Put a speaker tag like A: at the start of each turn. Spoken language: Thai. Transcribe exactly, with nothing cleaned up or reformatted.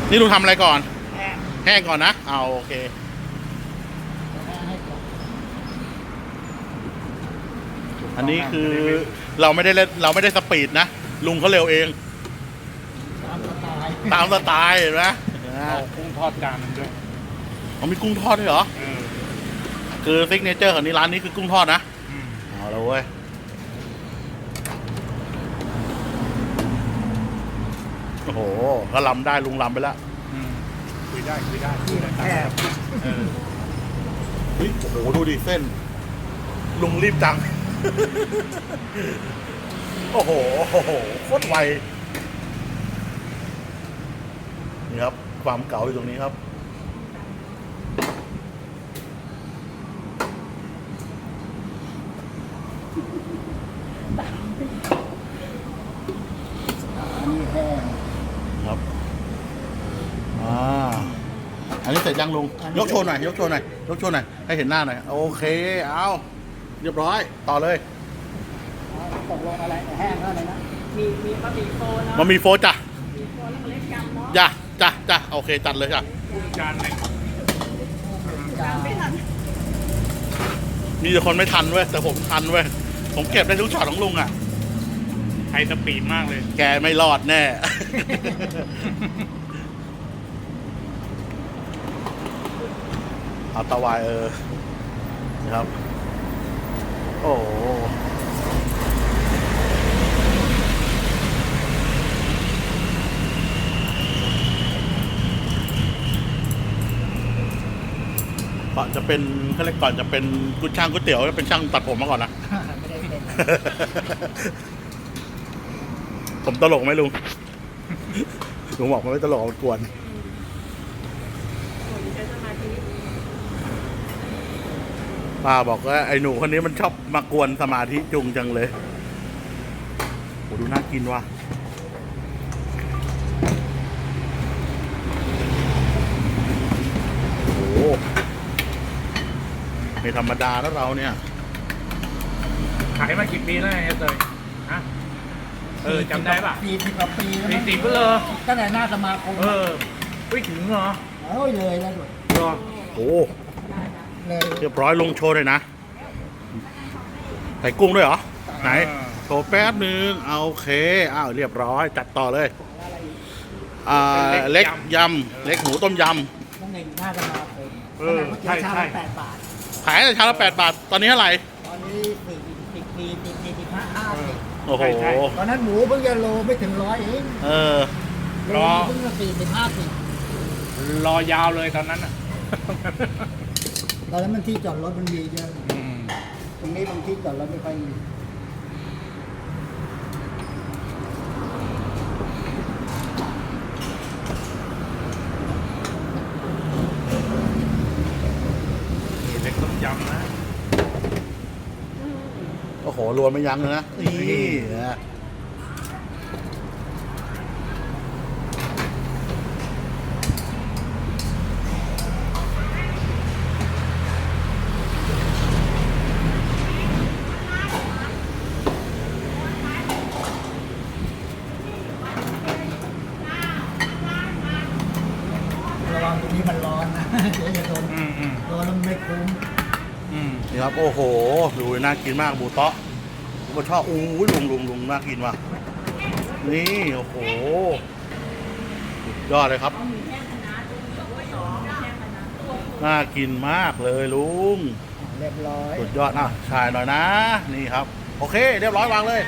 A: นี่ลุงทำอะไรก่อน
B: แห้ง
A: แห้งก่อนนะเอาโอเค
B: แห้งให้ก่อน
A: อันนี้คือเราไม่ได้เล่นเราไม่ได้สปีดนะลุงเขาเร็วเอง
B: ตามสไตล์
A: ตามสไตล์เห็นไหม
C: เอากุ้งทอดจานหนึงด้วย
A: เขามีกุ้งทอดด้วยเหรอ
C: เออ
A: คือซิกเนเจอร์ของนี่ร้านนี้คือกุ้งทอดนะ
C: อืม
A: เอาแล้วเว้ยโอ้โหก็ลำได้ลุงลำไปแล้ว
C: อืมคุยได้คุยได้คุ
B: ที่
C: ยได้
B: แคบ
C: เออ
A: เฮ้ยโอ้โหดูดิเส้น ลุงรีบจัง โอ้โหโอ้โหโคตรไวนี่ครับ ความเก๋าอยู่ตรงนี้ครับ
B: อันนี้แห้ง
A: ครับอ่าอันนี้เสร็จยังลุง ยกโชว์หน่อย ยกโชว์หน่อย ยกโชว์หน่อย ให้เห็นหน้าหน่อย โอเค เอาเรียบร้อย ต่อเลย
B: ตกลงอะไรแห้งแล้วอะไรนะ
D: มีมีบะหมี่โฟเนาะ
A: มามีโฟจ้ะ
D: มีโฟแล้วก็เล็กยำเนาะ
A: จ้ะจ้ะจ้ะโอเค จัดเลยจ้ะ
C: กุ้งจานหนึ่ง
B: จาน
D: ไม่ทัน
A: มีแต่คนไม่ทันเว้ย แต่ผมทันเว้ย ผมเก็บได้ทุกช็อตของลุงอ่ะ
C: ไฮสปีดมากเลย
A: แกไม่รอดแน่ เอาตะวายเออ นะครับ โอ้โหก่อนจะเป็นเขาเรียกก่อนจะเป็นกุช่างก๋วยเตี๋ยวเป็นช่างตัดผมมาก่อนนะ
B: ไม่ได้เป็น
A: ผมตลกไหมลุง ลุงบอกมันไม่ตลกมันกวน
D: โอ้ยใช้สมาธิ
A: ป้าบอกว่าไอ้หนูคนนี้มันชอบมากวนสมาธิจุงจังเลยโหดูน่ากินว่ะโอ้โหไม่ธรรมดาแล้วเราเนี่ย
C: ขายมากี่ปีแล้วเนี่ยเตยฮะเออจำได้ป่ะ
B: สี่สิบกว่าปีแล้ว
C: สี่
B: มั้ง
C: สิบก็เลย
B: ตั้งแต่หน้าสมาคม
C: เออไม่ถึงเหรอ
B: โอ้ยเลยแล้วด้วย
C: รอ
A: โอ้
B: เลย
A: เรียบร้อยลงโชว์เลยนะใส่กุ้งด้วยเหรอ ไหน โชว์แป๊บนึงเอาโอเคอ้าวเรียบร้อยจัดต่อเลยอ่าเล็กยำเล็กหมูต้มย
B: ตั้งแต่หน้าสมาคม
C: เออใช่
B: ชา
C: ใช่
B: ละแปดบาท
A: ำขายแต่ชามละแปดบาท ตอนนี้เท่าไหร่
B: ตอนนี้สี่สิบปีสี่สิบสิบห้าห้าสิบ
A: โอ้โห
B: ตอนนั้นหมูเพิ่งจะโลไม่ถึงร้อยเอง
A: เออ
B: โลเพิ่งจะสี่สิบห้าสิบ
C: รอยาวเลยตอนนั้นอ่ะ
B: ตอนนั้นมันที่จอดรถมันมีเยอะ
C: อืม
B: ตรงนี้บางที่จอดรถไม่ค่อยมี
C: นี่เล็กต้มยำนะ
A: โอ้โหรวมไม่ยั้งเลยนะ นี่นะ
B: ระวังตรงนี้มันร้อนนะ เดี๋ยวจะโดน
C: อืมอืม
B: โดนแล้วไม่คุ้ม
C: อืม
A: นี่ครับ โอ้โห ดูน่ากินมากหมูเตาะผมก็ชอบอู้ยลุงลุงลุงน่ากินว่ะ นี่ โอ้โหสุดยอดเลยครับ น่ากินมากเลยลุง
B: เรียบร้อย
A: สุดยอดอ่ะชายหน่อยนะ นี่ครับ โอเค เรียบร้อยวางเลย